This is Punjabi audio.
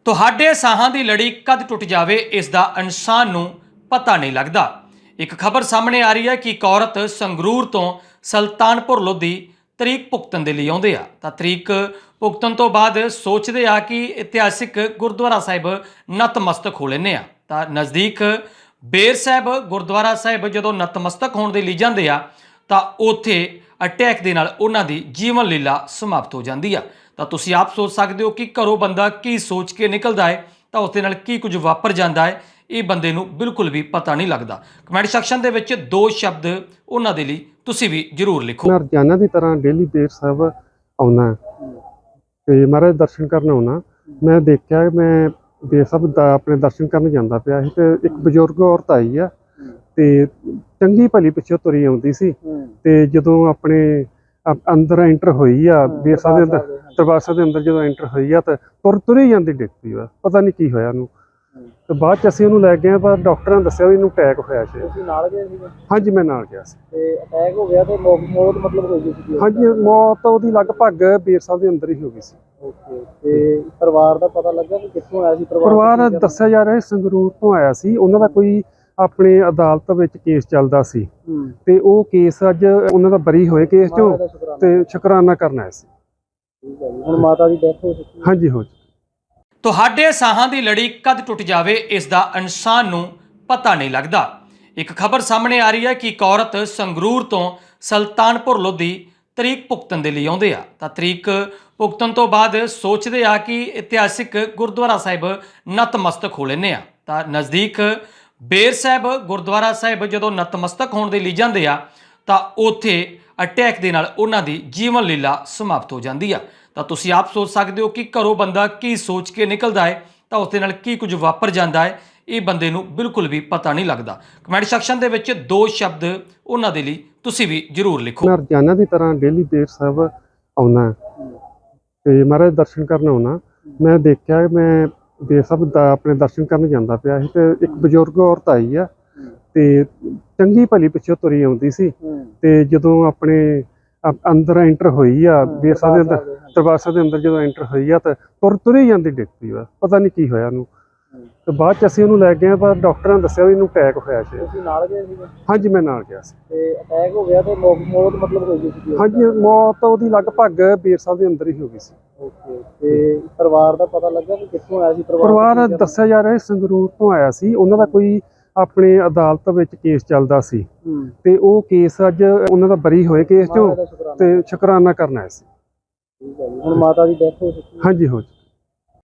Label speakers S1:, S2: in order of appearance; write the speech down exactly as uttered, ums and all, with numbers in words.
S1: ਤੁਹਾਡੇ ਸਾਹਾਂ ਦੀ ਲੜੀ ਕਦ ਟੁੱਟ ਜਾਵੇ ਇਸ ਦਾ ਇਨਸਾਨ ਨੂੰ ਪਤਾ ਨਹੀਂ ਲੱਗਦਾ। ਇੱਕ ਖਬਰ ਸਾਹਮਣੇ ਆ ਰਹੀ ਹੈ ਕਿ ਇੱਕ ਔਰਤ ਸੰਗਰੂਰ ਤੋਂ ਸੁਲਤਾਨਪੁਰ ਲੋਧੀ ਤਰੀਕ ਭੁਗਤਣ ਦੇ ਲਈ ਆਉਂਦੇ ਆ ਤਾਂ ਤਰੀਕ ਭੁਗਤਣ ਤੋਂ ਬਾਅਦ ਸੋਚਦੇ ਆ ਕਿ ਇਤਿਹਾਸਿਕ ਗੁਰਦੁਆਰਾ ਸਾਹਿਬ ਨਤਮਸਤਕ ਹੋ ਲੈਂਦੇ ਆ ਤਾਂ ਨਜ਼ਦੀਕ ਬੇਰ ਸਾਹਿਬ ਗੁਰਦੁਆਰਾ ਸਾਹਿਬ ਜਦੋਂ ਨਤਮਸਤਕ ਹੋਣ ਦੇ ਲਈ ਜਾਂਦੇ ਆ ਤਾਂ ਉੱਥੇ ਅਟੈਕ ਦੇ ਨਾਲ ਉਹਨਾਂ ਦੀ ਜੀਵਨ ਲੀਲਾ ਸਮਾਪਤ ਹੋ ਜਾਂਦੀ ਆ। ਤਾਂ ਤੁਸੀਂ ਆਪ ਸੋਚ ਸਕਦੇ ਹੋ ਕਿ ਘਰੋਂ ਬੰਦਾ ਕੀ ਸੋਚ ਕੇ ਨਿਕਲਦਾ ਹੈ ਤਾਂ ਉਸ ਦੇ ਨਾਲ ਕੀ ਕੁਝ ਵਾਪਰ ਜਾਂਦਾ ਹੈ, ਇਹ ਬੰਦੇ ਨੂੰ ਬਿਲਕੁਲ ਵੀ ਪਤਾ ਨਹੀਂ ਲੱਗਦਾ। ਕਮੈਂਟ ਸੈਕਸ਼ਨ ਦੇ ਵਿੱਚ ਦੋ ਸ਼ਬਦ ਉਹਨਾਂ ਦੇ ਲਈ ਤੁਸੀਂ ਵੀ ਜ਼ਰੂਰ ਲਿਖੋ।
S2: ਮੈਂ ਰੋਜ਼ਾਨਾ ਦੀ ਤਰ੍ਹਾਂ ਡੇਲੀ ਬੇਰ ਸਾਹਿਬ ਆਉਣਾ ਤੇ ਮਹਾਰਾਜ ਦਰਸ਼ਨ ਕਰਨ ਆਉਣਾ। ਮੈਂ ਦੇਖਿਆ ਮੈਂ ਬੇਰ ਸਾਹਿਬ ਦਾ ਆਪਣੇ ਦਰਸ਼ਨ ਕਰਨ ਜਾਂਦਾ ਪਿਆ ਸੀ ਤੇ ਇੱਕ ਬਜ਼ੁਰਗ ਔਰਤ ਆਈ ਆ ਤੇ ਚੰਗੀ ਭਲੀ ਪਿੱਛੋਂ ਤੁਰੀ ਆਉਂਦੀ ਸੀ ਤੇ ਜਦੋਂ ਆਪਣੇ ਅੰਦਰ ਐਂਟਰ ਹੋਈ ਆ ਬੇਰ ਸਾਹਿਬ ਦੇ ਅੰਦਰ ਦਰਬਾਰ ਸਾਹਿਬ ਦੇ ਅੰਦਰ ਜਦੋਂ ਐਂਟਰ ਹੋਈ ਆ ਤਾਂ ਤੁਰ ਤੁਰੀ ਜਾਂਦੀ ਡਿੱਗ ਪਈ। ਬਸ ਪਤਾ ਨਹੀਂ ਕੀ ਹੋਇਆ ਉਹਨੂੰ ਤੇ ਬਾਅਦ ਚ ਅਸੀਂ ਉਹਨੂੰ ਲੈ ਗਏ ਪਰ ਡਾਕਟਰਾਂ ਨੇ ਦੱਸਿਆ ਵੀ ਇਹਨੂੰ ਅਟੈਕ ਹੋਇਆ ਸੀ।
S3: ਤੁਸੀਂ ਨਾਲ ਗਏ ਸੀ?
S2: ਹਾਂਜੀ ਮੈਂ ਨਾਲ ਗਿਆ ਸੀ।
S3: ਤੇ ਅਟੈਕ ਹੋ ਗਿਆ ਤੇ ਮੌਤ ਮਤਲਬ ਹੋ ਗਈ ਸੀ?
S2: ਹਾਂਜੀ ਮੌਤ ਉਹਦੀ ਲਗਭਗ ਬੇਰ ਸਾਹਿਬ ਦੇ ਅੰਦਰ ਹੀ ਹੋ ਗਈ ਸੀ।
S3: ਓਕੇ। ਤੇ ਪਰਿਵਾਰ ਦਾ ਪਤਾ ਲੱਗਾ ਕਿ ਕਿੱਥੋਂ ਆਇਆ ਸੀ
S2: ਪਰਿਵਾਰ? ਦੱਸਿਆ ਜਾ ਰਿਹਾ ਸੰਗਰੂਰ ਤੋਂ ਆਇਆ ਸੀ। ਉਹਨਾਂ ਦਾ ਕੋਈ ਆਪਣੇ ਅਦਾਲਤ ਵਿੱਚ ਕੇਸ ਚੱਲਦਾ ਸੀ ਤੇ ਉਹ ਕੇਸ ਅੱਜ ਉਹਨਾਂ ਦਾ ਬਰੀ ਹੋਏ ਕੇਸ ਚੋਂ ਤੇ ਸ਼ੁਕਰਾਨਾ ਕਰਨ ਆਏ ਸੀ।
S3: ਠੀਕ ਹੈ ਜੀ। ਹੁਣ ਮਾਤਾ ਦੀ ਡੈਥ ਹੋ ਚੁੱਕੀ?
S2: ਹਾਂਜੀ ਹੋ ਚੁੱਕੀ।
S1: ਤੁਹਾਡੇ ਸਾਹਾਂ ਦੀ ਲੜੀ ਕਦ ਟੁੱਟ ਜਾਵੇ ਇਸ ਦਾ ਇਨਸਾਨ ਨੂੰ ਪਤਾ ਨਹੀਂ ਲੱਗਦਾ। ਇੱਕ ਖਬਰ ਸਾਹਮਣੇ ਆ ਰਹੀ ਹੈ ਕਿ ਇੱਕ ਔਰਤ ਸੰਗਰੂਰ ਤੋਂ ਸੁਲਤਾਨਪੁਰ ਲੋਧੀ ਤਰੀਕ ਭੁਗਤਣ ਦੇ ਲਈ ਆਉਂਦੇ ਆ ਤਾਂ ਤਰੀਕ ਭੁਗਤਣ ਤੋਂ ਬਾਅਦ ਸੋਚਦੇ ਆ ਕਿ ਇਤਿਹਾਸਿਕ ਗੁਰਦੁਆਰਾ ਸਾਹਿਬ ਨਤਮਸਤਕ ਹੋ ਲੈਂਦੇ ਆ ਤਾਂ ਨਜ਼ਦੀਕ ਬੇਰ ਸਾਹਿਬ ਗੁਰਦੁਆਰਾ ਸਾਹਿਬ ਜਦੋਂ ਨਤਮਸਤਕ ਹੋਣ ਦੇ ਲਈ ਜਾਂਦੇ ਆ ਤਾਂ ਉੱਥੇ ਅਟੈਕ ਦੇ ਨਾਲ ਉਹਨਾਂ ਦੀ ਜੀਵਨ ਲੀਲਾ ਸਮਾਪਤ ਹੋ ਜਾਂਦੀ ਆ। ਤਾਂ ਤੁਸੀਂ ਆਪ ਸੋਚ ਸਕਦੇ ਹੋ ਕਿ ਘਰੋਂ ਬੰਦਾ ਕੀ ਸੋਚ ਕੇ ਨਿਕਲਦਾ ਹੈ ਤਾਂ ਉਸ ਦੇ ਨਾਲ ਕੀ ਕੁਝ ਵਾਪਰ ਜਾਂਦਾ ਹੈ, ਇਹ ਬੰਦੇ ਨੂੰ ਬਿਲਕੁਲ ਵੀ ਪਤਾ ਨਹੀਂ ਲੱਗਦਾ। ਕਮੈਂਟ ਸੈਕਸ਼ਨ ਦੇ ਵਿੱਚ ਦੋ ਸ਼ਬਦ ਉਹਨਾਂ ਦੇ ਲਈ ਤੁਸੀਂ ਵੀ ਜ਼ਰੂਰ ਲਿਖੋ।
S2: ਮੈਂ ਰੋਜ਼ਾਨਾ ਦੀ ਤਰ੍ਹਾਂ ਡੇਲੀ ਬੇਰ ਸਾਹਿਬ ਆਉਣਾ ਤੇ ਮਹਾਰਾਜ ਦਰਸ਼ਨ ਕਰਨ ਆਉਣਾ। ਮੈਂ ਦੇਖਿਆ ਮੈਂ ਬੇਰ ਸਾਹਿਬ ਦਾ ਆਪਣੇ ਦਰਸ਼ਨ ਕਰਨ ਜਾਂਦਾ ਪਿਆ ਸੀ ਤੇ ਇੱਕ ਬਜ਼ੁਰਗ ਔਰਤ ਆਈ ਆ ਤੇ ਚੰਗੀ ਭਲੀ ਪਿੱਛੋਂ ਤੁਰੀ ਆਉਂਦੀ ਸੀ ਤੇ ਜਦੋਂ ਆਪਣੇ ਅੰਦਰ ਐਂਟਰ ਹੋਈ ਆ ਬੇਰ ਸਾਹਿਬ ਦੇ ਅੰਦਰ ਦਰਬਾਰ ਸਾਹਿਬ ਦੇ ਅੰਦਰ ਜਦੋਂ ਐਂਟਰ ਹੋਈ ਆ ਤਾਂ ਤੁਰ ਤੁਰੀ ਜਾਂਦੀ ਡਿੱਗ ਪਈ। ਬਸ ਪਤਾ ਨਹੀਂ ਕੀ ਹੋਇਆ ਉਹਨੂੰ ਤੇ ਬਾਅਦ ਚ ਅਸੀਂ ਉਹਨੂੰ ਲੈ ਗਏ ਪਰ ਡਾਕਟਰਾਂ ਨੇ ਦੱਸਿਆ ਵੀ ਇਹਨੂੰ ਅਟੈਕ ਹੋਇਆ ਸੀ।
S3: ਤੁਸੀਂ ਨਾਲ ਗਏ ਸੀ?
S2: ਹਾਂਜੀ ਮੈਂ ਨਾਲ ਗਿਆ ਸੀ।
S3: ਤੇ ਅਟੈਕ ਹੋ ਗਿਆ ਤੇ ਮੌਤ ਮਤਲਬ ਹੋ ਗਈ ਸੀ?
S2: ਹਾਂਜੀ ਮੌਤ ਉਹਦੀ ਲਗਭਗ ਬੇਰ ਸਾਹਿਬ ਦੇ ਅੰਦਰ ਹੀ ਹੋ ਗਈ ਸੀ।
S3: ਓਕੇ। ਤੇ ਪਰਿਵਾਰ ਦਾ ਪਤਾ ਲੱਗਾ ਕਿ ਕਿੱਥੋਂ ਆਇਆ ਸੀ?
S2: ਪਰਿਵਾਰ? ਦੱਸਿਆ ਜਾ ਰਿਹਾ ਸੰਗਰੂਰ ਤੋਂ ਆਇਆ ਸੀ। ਉਹਨਾਂ ਦਾ ਕੋਈ ਆਪਣੇ ਅਦਾਲਤ ਵਿੱਚ ਕੇਸ ਚੱਲਦਾ ਸੀ ਤੇ ਉਹ ਕੇਸ ਅੱਜ ਉਹਨਾਂ ਦਾ ਬਰੀ ਹੋਏ ਕੇਸ ਚੋਂ ਤੇ ਸ਼ੁਕਰਾਨਾ ਕਰਨ ਆਏ ਸੀ।
S3: ਠੀਕ ਹੈ ਜੀ। ਹੁਣ ਮਾਤਾ ਦੀ ਡੈਥ ਹੋ ਚੁੱਕੀ?
S2: ਹਾਂਜੀ ਹੋ ਚੁੱਕੀ।